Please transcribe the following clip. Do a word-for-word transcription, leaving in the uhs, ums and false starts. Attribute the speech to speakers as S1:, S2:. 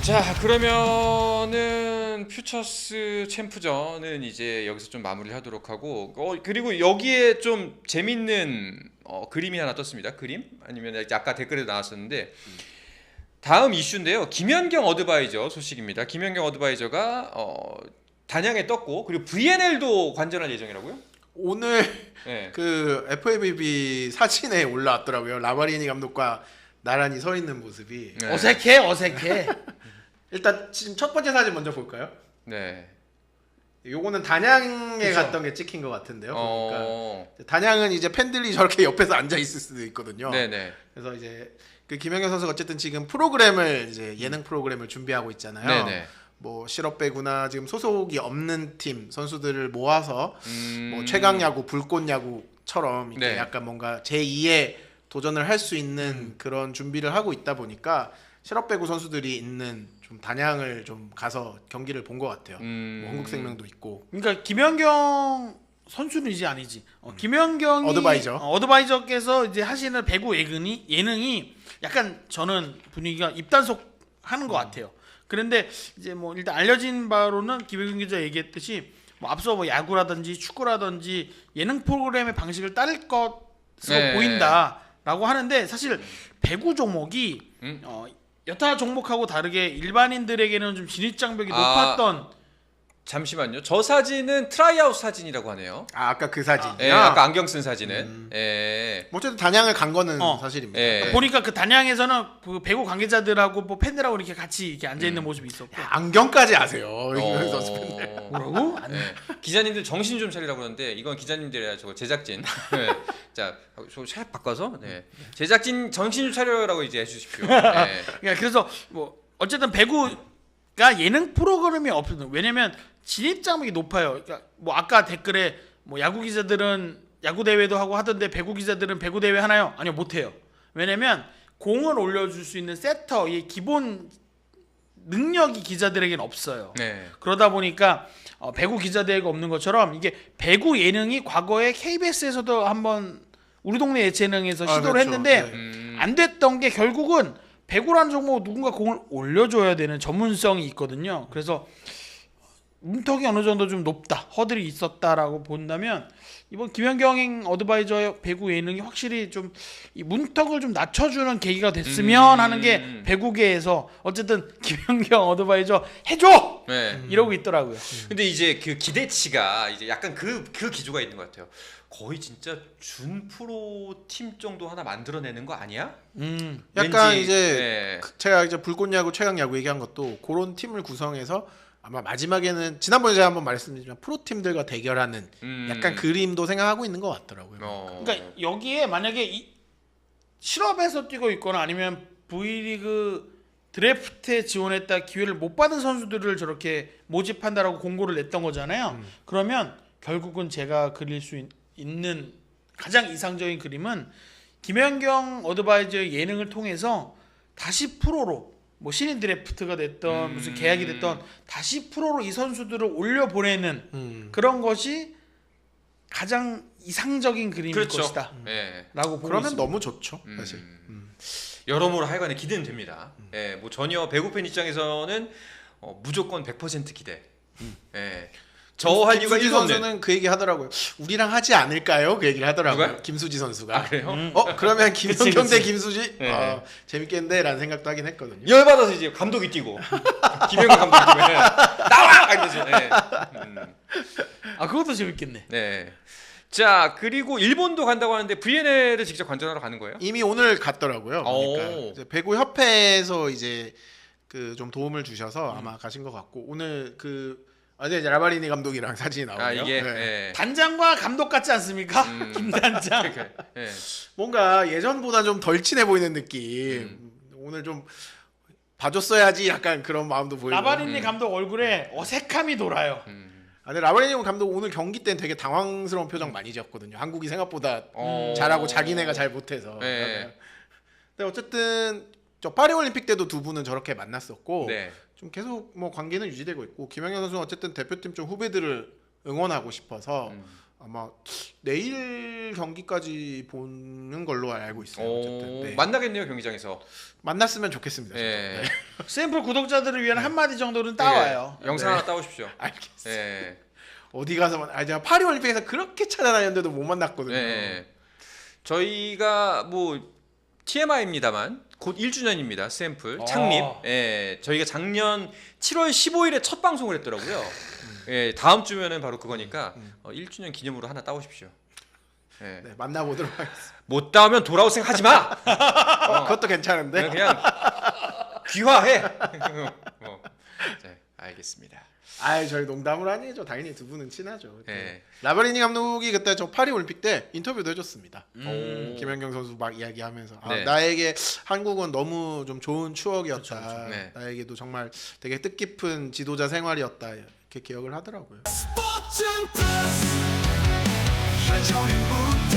S1: 자, 그러면은 퓨처스 챔프전은 이제 여기서 좀 마무리를 하도록 하고, 어, 그리고 여기에 좀 재밌는 어, 그림이 하나 떴습니다. 그림? 아니면 아까 댓글에도 나왔었는데 다음 이슈인데요. 김연경 어드바이저 소식입니다. 김연경 어드바이저가 어, 단양에 떴고, 그리고 브이엔엘도 관전할 예정이라고요?
S2: 오늘
S1: 네.
S2: 그 에프에이비비 사진에 올라왔더라고요. 라바리니 감독과 나란히 서 있는 모습이.
S1: 네.
S3: 어색해 어색해.
S2: 일단 지금 첫 번째 사진 먼저 볼까요?
S1: 네.
S2: 요거는 단양에
S3: 그쵸.
S2: 갔던 게 찍힌 것 같은데요.
S1: 어...
S2: 그러니까 단양은 이제 팬들이 저렇게 옆에서 앉아 있을 수도 있거든요.
S1: 네네.
S2: 그래서 이제 그 김연경 선수가 어쨌든 지금 프로그램을 이제 예능 프로그램을 준비하고 있잖아요.
S1: 네네.
S2: 뭐 실업 배구나 지금 소속이 없는 팀 선수들을 모아서
S1: 음...
S2: 뭐 최강 야구, 불꽃 야구처럼 이렇게
S1: 네.
S2: 약간 뭔가 제이의 도전을 할 수 있는
S1: 음.
S2: 그런 준비를 하고 있다 보니까 실업 배구 선수들이 있는 좀 단양을 좀 가서 경기를 본 것 같아요.
S1: 음...
S2: 뭐 한국생명도 있고.
S3: 그러니까 김연경 선수는 이제 아니지. 어, 김연경이
S2: 어드바이저.
S3: 어, 어드바이저께서 이제 하시는 배구 예능이 예능이 약간 저는 분위기가 입단속 하는 것 같아요. 그런데 이제 뭐 일단 알려진 바로는 김연경 기자 얘기했듯이 뭐 앞서 뭐 야구라든지 축구라든지 예능 프로그램의 방식을 따를 것으로
S1: 네.
S3: 보인다라고 하는데 사실 배구 종목이
S1: 음?
S3: 어, 여타 종목하고 다르게 일반인들에게는 좀 진입 장벽이
S1: 아.
S3: 높았던.
S1: 잠시만요. 저 사진은 트라이아웃 사진이라고 하네요.
S2: 아, 아까 그 사진.
S1: 예, 아까 안경 쓴 사진은.
S2: 음.
S1: 예.
S2: 뭐 어쨌든 단양을 간 거는
S3: 어.
S2: 사실입니다.
S1: 예.
S3: 보니까 그 단양에서는 그 배구 관계자들하고 뭐 팬들하고 이렇게 같이 이렇게 앉아 있는
S1: 음.
S3: 모습이 있었고.
S2: 야, 안경까지 아세요.
S1: 어...
S2: 선수 팬들.
S3: 뭐라고? 안-
S1: 예. 기자님들 정신 좀 차리라고 그러는데 이건 기자님들이 아니라 저거 제작진. 네. 자, 저샷 바꿔서 네. 제작진 정신 좀 차려라고 이제 해주십시오. 네.
S3: 그러니까 그래서 뭐 어쨌든 배구가 예능 프로그램이 없거든. 왜냐면 진입 장벽이 높아요. 그러니까 뭐 아까 댓글에 뭐 야구 기자들은 야구 대회도 하고 하던데 배구 기자들은 배구 대회 하나요? 아니요, 못 해요. 왜냐면 공을 올려줄 수 있는 세터의 기본 능력이 기자들에게는 없어요.
S1: 네.
S3: 그러다 보니까 어, 배구 기자 대회가 없는 것처럼 이게 배구 예능이 과거에 케이비에스에서도 한번 우리 동네 예체능에서
S2: 아,
S3: 시도를
S2: 그렇죠.
S3: 했는데
S2: 네.
S1: 음.
S3: 안 됐던 게 결국은 배구라는 종목 누군가 공을 올려줘야 되는 전문성이 있거든요. 그래서 문턱이 어느 정도 좀 높다, 허들이 있었다라고 본다면 이번 김연경 어드바이저의 배구 예능이 확실히 좀 이 문턱을 좀 낮춰주는 계기가 됐으면
S1: 음.
S3: 하는 게 배구계에서 어쨌든 김연경 어드바이저 해줘
S1: 네.
S3: 이러고 있더라고요.
S1: 근데 이제 그 기대치가 이제 약간 그, 그 기조가 있는 것 같아요. 거의 진짜 준 프로 팀 정도 하나 만들어내는 거 아니야?
S3: 음.
S2: 약간
S1: 왠지,
S2: 이제
S1: 네.
S2: 그- 제가 이제 불꽃야구, 최강야구 얘기한 것도 그런 팀을 구성해서 아마 마지막에는 지난번에 제가 한번 말씀드렸지만 프로팀들과 대결하는
S1: 음.
S2: 약간 그림도 생각하고 있는 것 같더라고요.
S1: 어.
S3: 그러니까 여기에 만약에 이 실업에서 뛰고 있거나 아니면 V리그 드래프트에 지원했다 기회를 못 받은 선수들을 저렇게 모집한다라고 공고를 냈던 거잖아요.
S2: 음.
S3: 그러면 결국은 제가 그릴 수 있, 있는 가장 이상적인 그림은 김연경 어드바이저의 예능을 통해서 다시 프로로 뭐 신인 드래프트가 됐던
S1: 음.
S3: 무슨 계약이 됐던 다시 프로로 이 선수들을 올려 보내는
S2: 음.
S3: 그런 것이 가장 이상적인 그림일
S1: 그렇죠.
S3: 것이다.
S1: 네.
S3: 라고 보고
S2: 그러면
S3: 있습니다.
S2: 너무 좋죠,
S1: 음.
S2: 사실. 음.
S1: 여러모로 하여간에 기대는 됩니다. 예, 뭐 전혀 배구 팬 입장에서는 어, 무조건 백 퍼센트 기대. 예. 저 할 이유가
S2: 김수지
S1: 일도 없네.
S2: 선수는 그 얘기 하더라고요. 우리랑 하지 않을까요? 그 얘기를 하더라고요.
S1: 누가요?
S2: 김수지 선수가.
S1: 아, 그래요?
S3: 음.
S2: 어 그러면 김연경
S3: 그치.
S2: 대 김수지
S1: 네.
S2: 어, 재밌겠는데라는 생각도 하긴 했거든요.
S1: 열받아서 이제 감독이 뛰고 김영관 감독이 뛰고 예. 나와! 이러지. 예. 음.
S3: 아 그것도 재밌겠네.
S1: 네. 자, 그리고 일본도 간다고 하는데 브이엔엘을 직접 관전하러 가는 거예요?
S2: 이미 오늘 갔더라고요. 그러니까
S1: 오.
S2: 이제 배구 협회에서 이제 그 좀 도움을 주셔서
S1: 음.
S2: 아마 가신 것 같고 오늘 그 어제 이제 라바리니 감독이랑 사진이 나오고요.
S1: 아, 이게
S2: 네.
S1: 예.
S3: 단장과 감독 같지 않습니까?
S1: 음.
S3: 김단장.
S1: 그러니까, 예.
S2: 뭔가 예전보다 좀 덜 친해 보이는 느낌.
S1: 음.
S2: 오늘 좀 봐줬어야지 약간 그런 마음도 보이고.
S3: 라바리니
S1: 음.
S3: 감독 얼굴에 어색함이 돌아요.
S1: 음.
S2: 아, 근데 라바리니 감독 오늘 경기 때는 되게 당황스러운 표정 많이 지었거든요. 한국이 생각보다
S1: 어.
S2: 잘하고 자기네가 잘 못해서.
S1: 네.
S2: 근데 어쨌든 저 파리 올림픽 때도 두 분은 저렇게 만났었고
S1: 네.
S2: 좀 계속 뭐 관계는 유지되고 있고 김연경 선수는 어쨌든 대표팀 좀 후배들을 응원하고 싶어서
S1: 음.
S2: 아마 내일 경기까지 보는 걸로 알고 있어요. 어쨌든
S1: 오,
S2: 네.
S1: 만나겠네요 경기장에서.
S2: 만났으면 좋겠습니다. 저도.
S1: 예.
S2: 네.
S3: 샘플 구독자들을 위한 한마디 정도는 따와요.
S1: 예, 영상
S2: 네.
S1: 하나 따오십시오.
S2: 알겠어요.
S1: 예.
S2: 어디 가서 만... 아 제가 파리 올림픽에서 그렇게 찾아다녔는데도 못 만났거든요.
S1: 예. 저희가 뭐 티엠아이입니다만 곧 일 주년입니다. 샘플
S3: 아.
S1: 창립. 예. 저희가 작년 칠월 십오일에 첫 방송을 했더라고요. 예. 다음 주면은 바로 그거니까 어, 일 주년 기념으로 하나 따오십시오. 예.
S2: 네, 만나보도록 하겠습니다.
S1: 못 따오면 돌아올 생각 하지 마.
S2: 어, 그것도 괜찮은데.
S1: 그냥, 그냥 귀화해. 어. 네, 알겠습니다.
S2: 아, 저희 농담을 아니죠. 당연히 두 분은 친하죠.
S1: 네.
S2: 라베리니 감독이 그때 저 파리 올림픽 때 인터뷰도 해줬습니다.
S1: 음.
S2: 김연경 선수 막 이야기하면서 아,
S1: 네.
S2: 나에게 한국은 너무 좀 좋은 추억이었다.
S3: 그쵸, 그쵸.
S1: 네.
S2: 나에게도 정말 되게 뜻깊은 지도자 생활이었다. 이렇게 기억을 하더라고요.
S4: 스포츠 플러스 한정의 무대